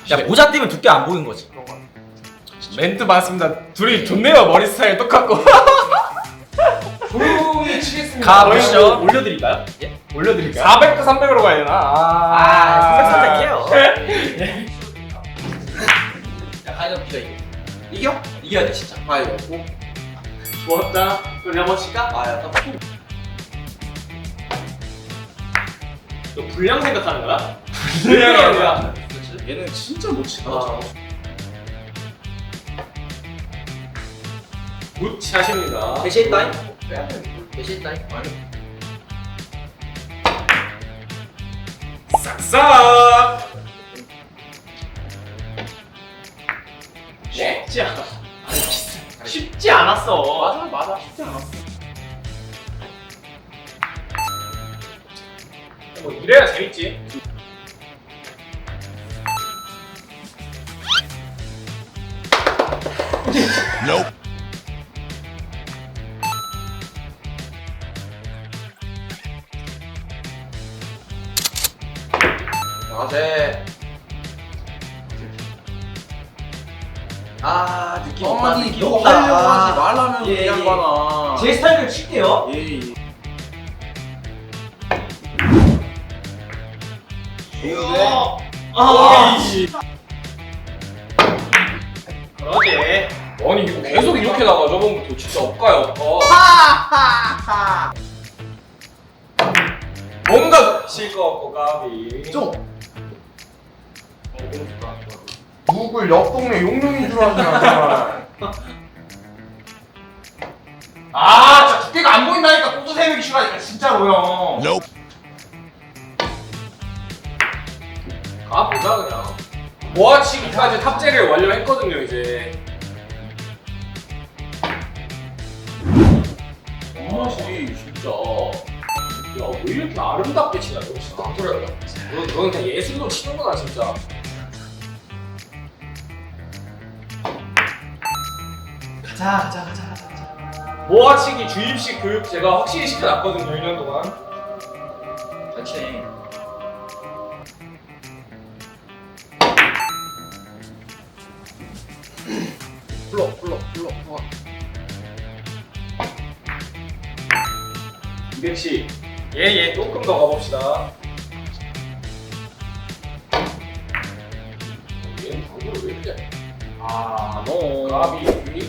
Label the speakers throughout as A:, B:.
A: 야 모자 띄면 두께 안 보이는 거지.
B: 멘트 맞습니다. 둘이 좋네요. 머리 스타일 똑같고. 조용히 치겠습니다.
A: 가보시죠.
B: 올려드릴까요?
A: 예?
B: 올려드릴까요? 400대 300으로 가야 되나?
A: 선택해요.
C: 야 가위바위보
A: 이겨? 이겨야 돼 진짜.
C: 가위바위보.
B: 좋았다. 그럼 한번 칠까?
C: 아 약간
B: 너 불량 생각하는 거야?
C: 불량이
B: 아니라.
C: 그렇지. 얘는 진짜 못 친다.
B: 굿 샷입니다.
A: 배시했다잉?
C: 빼야 돼.
A: 배시했다잉?
C: 아니.
B: 싹싹. 쉽지 않아. 쉽지 않았어.
C: 맞아 쉽지 않았어.
B: 뭐 이래야 재밌지.
C: 나제.
A: 아 느낌 없다.
C: 아니
A: 느낌
C: 너
A: 없다.
C: 하려고 하지 말라면
A: 예,
C: 그냥
A: 예.
C: 봐라.
A: 제 스타일을 칠게요.
C: 예. 좋은데?
A: 아,
B: 그러지. 아니 이거 계속 이렇게 나가. 저번부터 진짜 엇가요. 뭔가 칠거 없고 까비.
C: 좀.
B: 너무 좋다.
C: 누굴 옆 동네 용룡인 줄 아냐. 아, 진짜 두께가 안 보인다니까 꼬도 세우기 싫어하니까 진짜로요.
B: 가보자 그냥. 모아치기까지 탑재를 완료했거든요 이제.
C: 맛이 진짜.
B: 야 왜 이렇게 아름답게 치냐 너 진짜. 그래. 너는 그냥 예술로 치는구나 진짜.
A: 가자.
B: 모아치기 주입식 교육 제가 확실히 시켜놨거든요 1년 동안.
A: 잘 치네.
C: 불러.
B: 200씩. 예예 조금 더 가봅시다. 얘는 방구를 왜 이렇게?
C: 아, 너.
B: 까비 유니.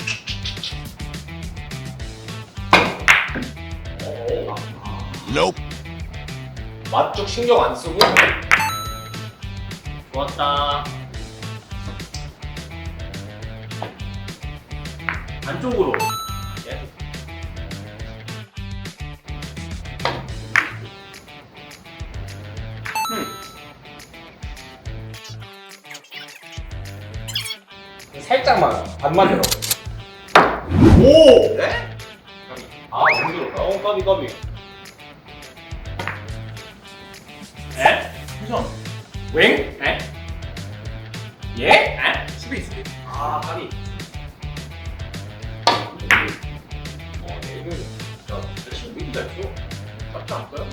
B: 맛쪽 신경 안 쓰고. 좋았다. 안쪽으로. 예. 살짝만 반만 들어.
C: 오! 네?
B: 아 너무 들었다. 까비. 에?
C: 회전.
B: 웽? 에? 예? 에? 수비. 아 까비. 얘는 야 대신 왜 이렇게 잘 쳐? 맞지 않을까요?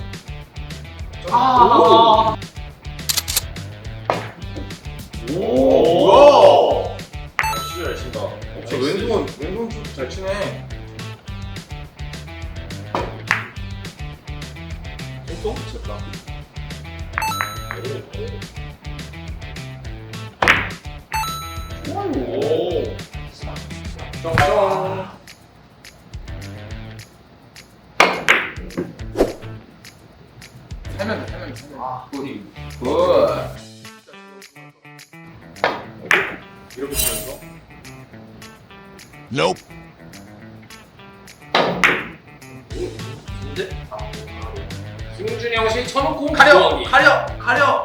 C: 아.
B: 오.
C: 뭐야?
B: 역시 잘 친다.
C: 저 왼손 슛 잘 치네.
B: 똥똥 쳤다. 오. 쩡쩡.
C: 살면 돼.
B: 아,
C: 굿.
B: 이렇게 치면서.
A: 근데
B: 승준이 형식 쳐놓고
C: 가려.
B: 구하기.
C: 가려.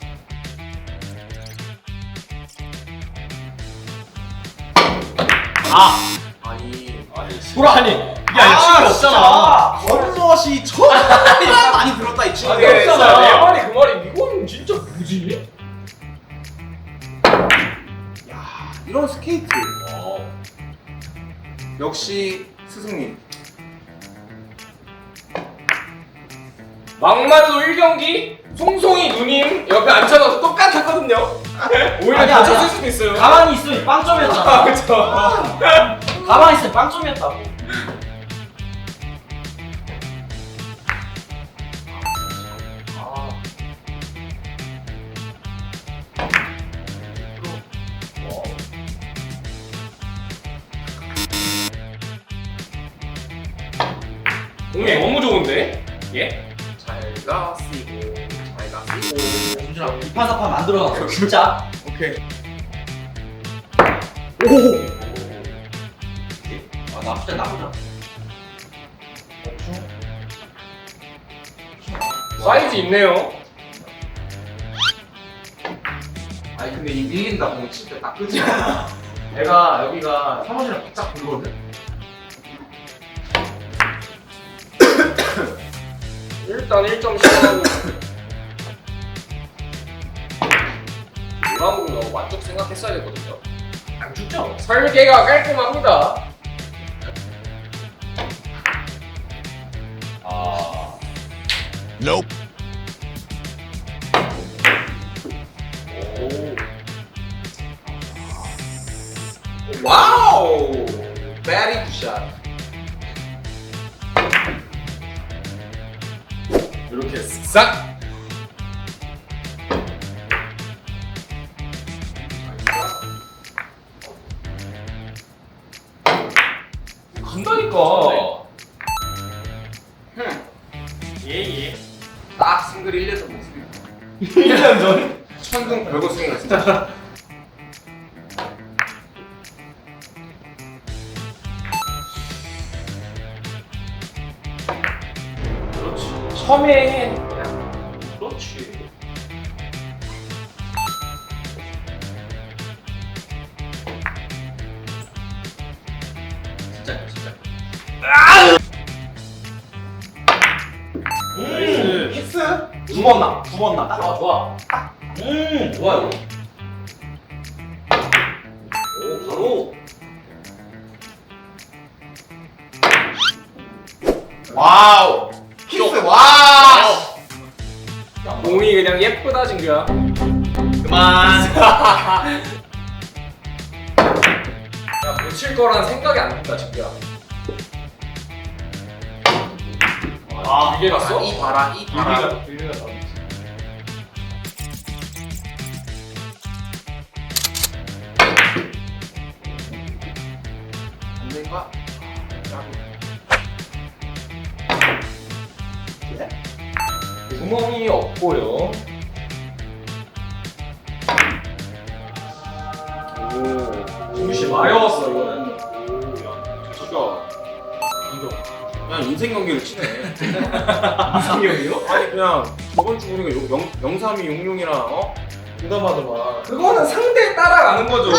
C: 아니.
A: 보라 아니 이게 아니 치는 거 없잖아.
C: 겉멋이 정말 많이 들었다 이 친구.
B: 아니 없잖아. 내 말이 그 말이 이건 진짜 뭐지?
C: 야, 이런 스케이트. 역시 스승님.
B: 막말로 1경기 송송이 누님 옆에 앉혀놔서 똑같았거든요. 있거든요. 오히려
A: 아니야,
B: 다쳤을
A: 아니야.
B: 수도 있어요.
A: 가만히 있으면 빵점이었잖아.
B: 그쵸.
A: 가만히 있으면 빵점이었다고.
B: 공이 너무 좋은데? 예?
C: 잘가 쓰고 잘가 쓰고.
A: 준준아, 이판사판 만들어놨어, 진짜.
C: 오케이.
A: 아, 나쁘지 않아.
B: 사이즈 있네요.
C: 아니 근데 이 밀린다 공이 진짜 딱 끄지. 내가 여기가 사무실에 바짝 불거든.
B: 일단 1점 시작하고 노란공 너무 만족 생각했어야 되거든요.
A: 안 죽죠?
B: 설계가 깔끔합니다.
D: Nope.
C: 와우. 베리 굿샷.
B: 이렇게 쓱싹. 간다니까. 예예.
C: 딱 싱글 1년 전 모습이야.
B: 1년 전.
C: 천둥 별거 스윙이야 진짜.
B: 그렇지. 처음에 그렇지.
A: 진짜, 진짜.
B: 나이스.
C: 키스?
A: 두 번 나. 아, 좋아. 좋아, 이거. 오, 바로.
C: 와우. 키스 와.
B: 공이 그냥 예쁘다 진규야.
A: 그만.
B: 야, 놓칠 거란 생각이 안 든다 진규야.
A: 아,
B: 길게 갔어?
C: 이 봐라 이 봐라.
B: 길게 갔다.
C: 안 된가?
B: 구멍이 없고요. 오, 중시 마려웠어 이거는.
C: 진짜. 그냥 인생 경기를 치네.
B: 이상형이요?
C: 아니 그냥 저번 주 우리가 0326이랑 어? 공감하더만.
B: 그거는 상대에 따라가는 거죠.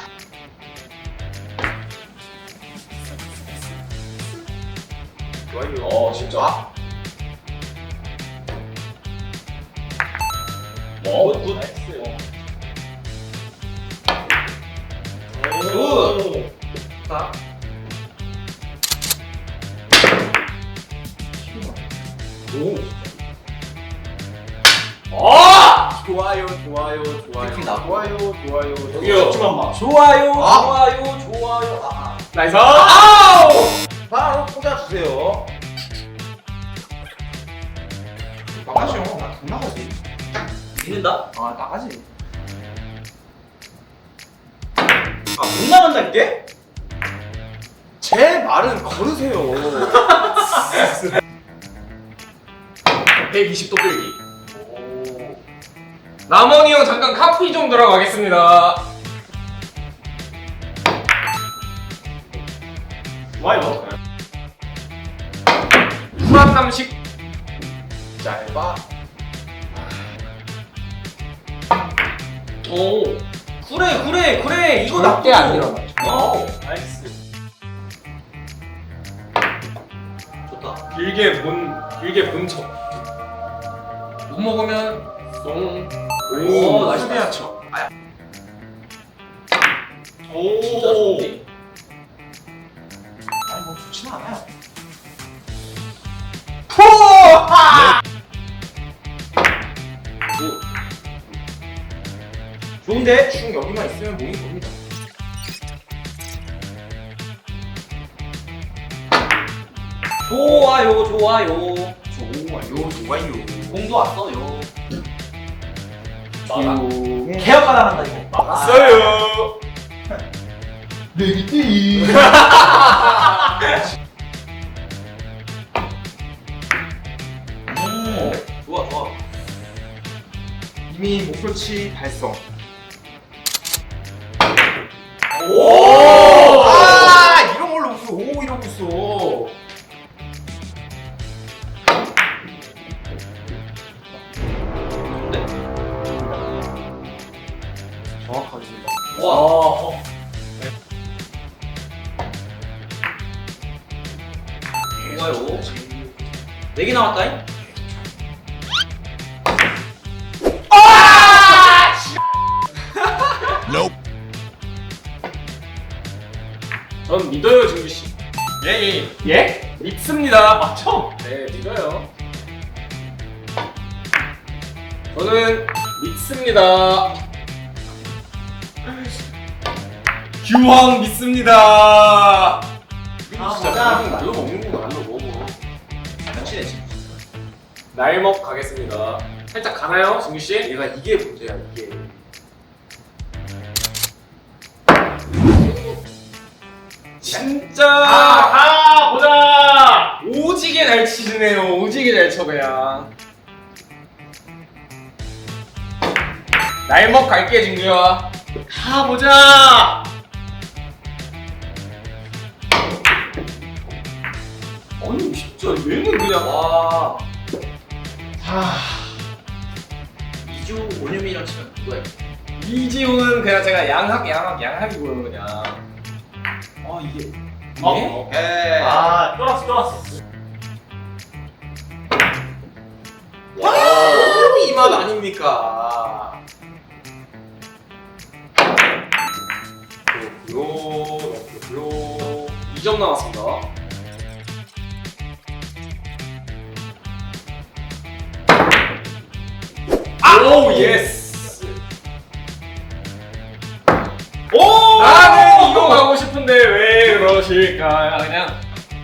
C: 좋아요.
B: 진짜.
A: 뭐? 굿.
B: 굿.
C: 자.
B: 오. 아!
C: 좋아요, 좋아요, 좋아요.
A: 느낌 나고.
C: 좋아요, 좋아요.
B: 저기요.
A: 하지만 마. 좋아요,
C: 아.
A: 좋아요, 좋아요. 아,
B: 나이스. 아우!
C: 바로 꽂아주세요. 나가죠. 나못 나가지.
A: 믿는다?
C: 아 나가지.
A: 아, 못 나간다니까?
C: 제 말은 걸으세요.
B: 120도 끌기. 남원이 형 잠깐 카피 좀 들어가겠습니다.
A: 좋아요.
B: 후란남식.
C: 짧아.
A: 오. 그래. 이거
B: 절대
A: 나쁘고.
B: 안 일어나.
A: 어. 나이스. 좋다.
B: 길게 본 척. 못 먹으면 송.
A: 오, 나이스.
C: 수비야 쳐.
A: 오.
B: 진짜 좋네.
C: 아니 뭐 좋지는 않아요. 좋은데 충 여기만 있으면 몸이 됩니다.
A: 좋아요 좋아요.
C: 좋아요.
A: 공도 왔어요.
B: 막아.
A: 개혁가 나간다 이거.
B: 막았어요.
C: 내기띠.
A: 좋아 좋아.
C: 이미 목표치 달성.
B: 오!
C: 아 이런 걸로 웃어. 오 이러고 있어. 정확하게.
A: 와. 좋아요. 4개 나왔다잉?
D: Nope.
B: 전 믿어요, 진규 씨.
C: 예.
B: 예? 믿습니다. 맞죠? 네, 믿어요. 저는 믿습니다. 규황 믿습니다. 진짜
A: 맞아.
B: 날로 먹는구나, 날로 먹어.
A: 며칠에 지금.
B: 날먹 가겠습니다. 살짝 가나요, 진규 씨?
C: 얘가 이게 문제야 이게.
B: 진짜 보자. 오지게 잘 치시네요. 오지게 잘 쳐 그냥. 날먹 갈게 진규야. 가보자. 아니 진짜 얘는 그냥
A: 와.
B: 하.
A: 2주 올림이랑 치면 누가 있어?
B: 이지훈은 그냥 제가 양학이고요 그냥.
A: 아 이게.
C: 오케이.
B: 아 쫄았어.
C: 이 맛 아닙니까?
B: 요 2점 남았습니다. 오 예스.
C: 오!
B: 나는 이거 가고 싶은데 왜 그러실까 그냥.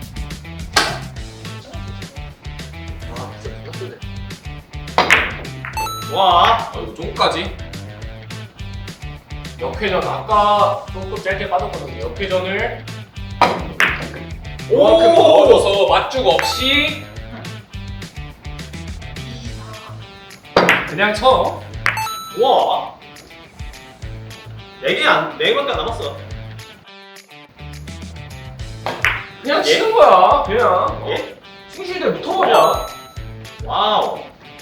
B: 와, 이거 종까지. 역회전 아까 조금 짧게 빠졌거든요. 역회전을 그만큼 넣어줘서 맞죽 없이 그냥 쳐.
C: 와. 4개밖에 안 남았어.
B: 그냥 치는 거야. 그냥.
C: 예?
B: 승실대 붙어버려.
C: 와우.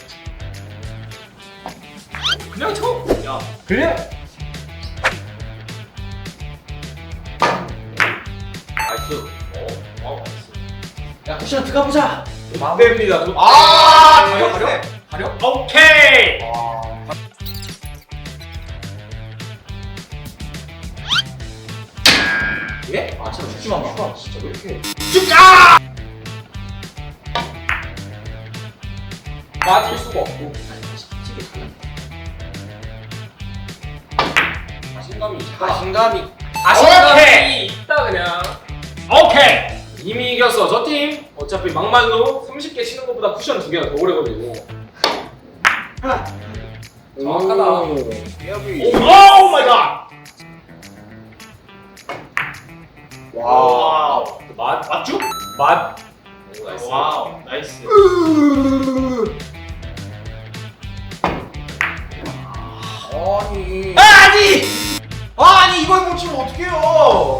B: 그냥 쳐.
C: 야.
B: 그냥.
A: 나이스.
B: 나이스.
A: 야 쿠션 들어가보자.
B: 안 됩니다.
C: 가려.
B: 가려? 오케이.
A: 예? 아 진짜 죽지만 마.
B: 진짜 왜 이렇게? 맞을 수가 없고. 자신감이 있다. 자신감이 있다 그냥. 오케이. 이미 이겼어. 저 팀 어차피 막말로 30개 치는 것보다 쿠션 2개가 더 오래 걸리고. 정확하다. 오 마이 갓.
C: 와우.
B: 맞죠? 맞. 오, 나이스.
C: 와우. 나이스. 아니 이걸 못 치면 어떡해요?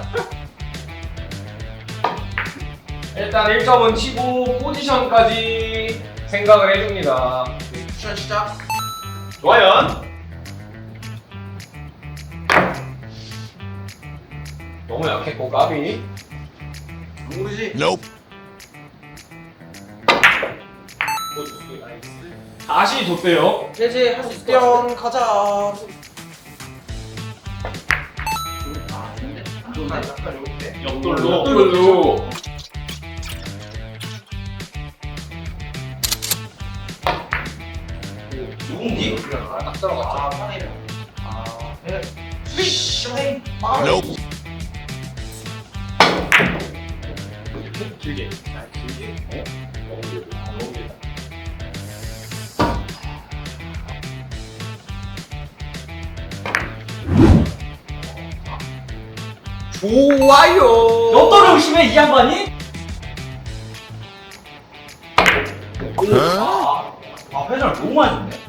B: 일단 1점은 치고 포지션까지 생각을 해줍니다.
C: 쿠션 시작.
B: 좋아요. 너무 약했고 까비.
C: 모르지.
D: Nope.
B: 다시 줬대요.
A: 제제 할 수 있을 것 같은데.
C: 뿅 가자.
A: 아 좋은데? 안
C: 아,
A: 좋은데?
C: 약간 이렇게.
B: 역돌로.
A: 누군지?
C: 딱 들어갔죠. 아, 편해요.
D: Nope.
B: 길게. 길게. 너무 길다. 너무 길다.
C: 좋아요.
A: 로또를 의심해 이 양반이? 회전을 너무 많이 줬네.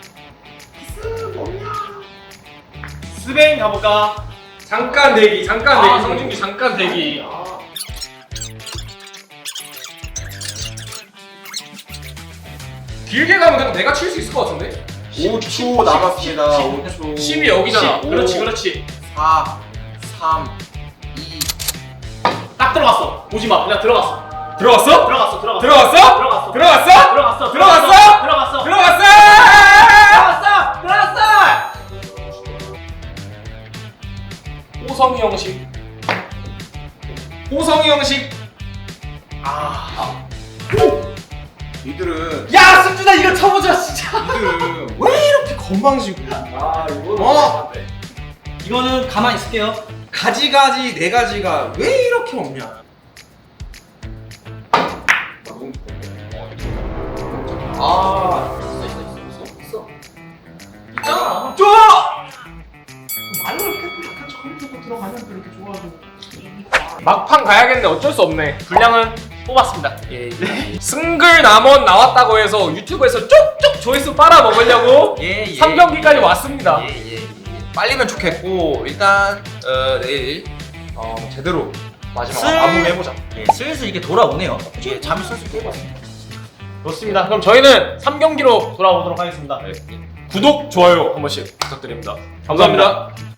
B: 스베인 가볼까? 잠깐 대기. 잠깐 대기.
A: 아,
B: 성준기 잠깐 대기. 길게 가면 그냥 내가 칠 수 있을 것 같은데?
C: 5초 남았습니다. 5초.
B: 10이 여기잖아.
A: 10.
B: 그렇지, 그렇지.
C: 4, 3, 2.
A: 딱 들어갔어. 보지 마. 그냥 들어갔어.
B: 들어갔어?
A: 들어갔어. 들어갔어.
B: 들어갔어?
A: 들어갔어.
B: 들어갔어?
A: 들어갔어.
B: 들어갔어?
A: 들어갔어.
B: 들어갔어?
A: 들어갔어. 들어갔어.
B: 호성이 형식. 호성이 형식.
C: 이들은
A: 야 승준아 이거 쳐보자 진짜.
C: 이들은 왜 이렇게 건방지고?
B: 아, 이거는
C: 어?
A: 이거는 가만히 있을게요.
C: 가지가지 네 가지가 왜 이렇게 없냐? 아,
B: 있어.
A: 있잖아.
C: 줘! 말로 이렇게 약간 저리로 들어가면 그렇게 좋아하고.
B: 막판 가야겠네. 어쩔 수 없네. 분량은 뽑았습니다.
C: 예.
B: 승글 남원 나왔다고 해서 유튜브에서 쪽쪽 조회수 빨아 먹으려고
C: 예.
B: 3경기까지 왔습니다.
C: 예. 빨리면 좋겠고 일단 내일 제대로 마지막
A: 슬-
C: 마무리해보자.
A: 예, 슬슬 이게 돌아오네요. 예, 잠이 슬슬 깨고 왔습니다.
B: 좋습니다. 그럼 저희는 3경기로 돌아오도록 하겠습니다. 구독, 좋아요 한 번씩 부탁드립니다. 감사합니다.